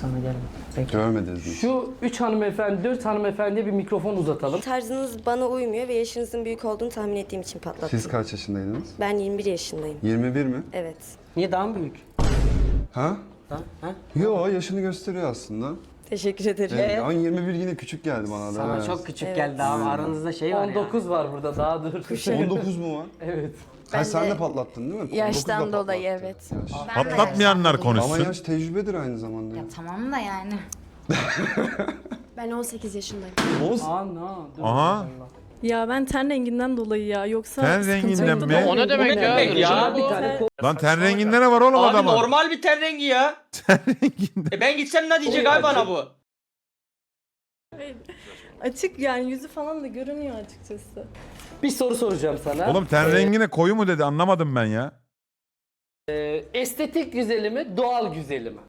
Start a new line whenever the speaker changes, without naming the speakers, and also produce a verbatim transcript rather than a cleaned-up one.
sana gelme. Bekle.
Görmediniz mi?
Şu üç hanımefendi, dört hanımefendiye bir mikrofon uzatalım.
Tarzınız bana uymuyor ve yaşınızın büyük olduğunu tahmin ettiğim için patlattım.
Siz kaç yaşındaydınız?
Ben yirmi bir yaşındayım.
yirmi bir mi?
Evet.
Niye daha mı büyük?
Ha?
Daha, ha?
Yo, yaşını gösteriyor aslında.
Teşekkür ederim.
Evet. Ama yirmi bir yine küçük geldi bana da.
Sana
evet.
çok küçük
Evet.
geldi abi. Aranızda şey var
on dokuz var burada daha dur.
on dokuz mu var?
Evet.
Ha,
Ben
sen
de
de patlattın değil mi?
yaştan
on dokuz da
dolayı,
patlattı.
evet.
Yaş.
Ben de
Patlatmayanlar
yaştan dolayı.
Ama
konuşsun.
yaş tecrübedir aynı zamanda.
Ya tamam da yani.
Ben on sekiz yaşındayım.
Oğuz,
Aa no. Dur.
Aha.
Ya ben ten renginden dolayı ya yoksa
Ten
sıkıntı
renginden
yoktu
mi?
da-
O ne demek ya?
demek ya?
Rejim
Bir
bu.
tane
Lan ten renginde ne var oğlum
Abi
adamın?
normal bir ten rengi ya.
Ten renginde.
E ben gitsem ne diyecek abi bana bu?
Açık yani yüzü falan da görünüyor açıkçası.
bir soru soracağım sana.
Oğlum ten
Ee,
rengine koyu mu dedi anlamadım ben ya.
e, estetik güzeli mi, doğal güzeli mi?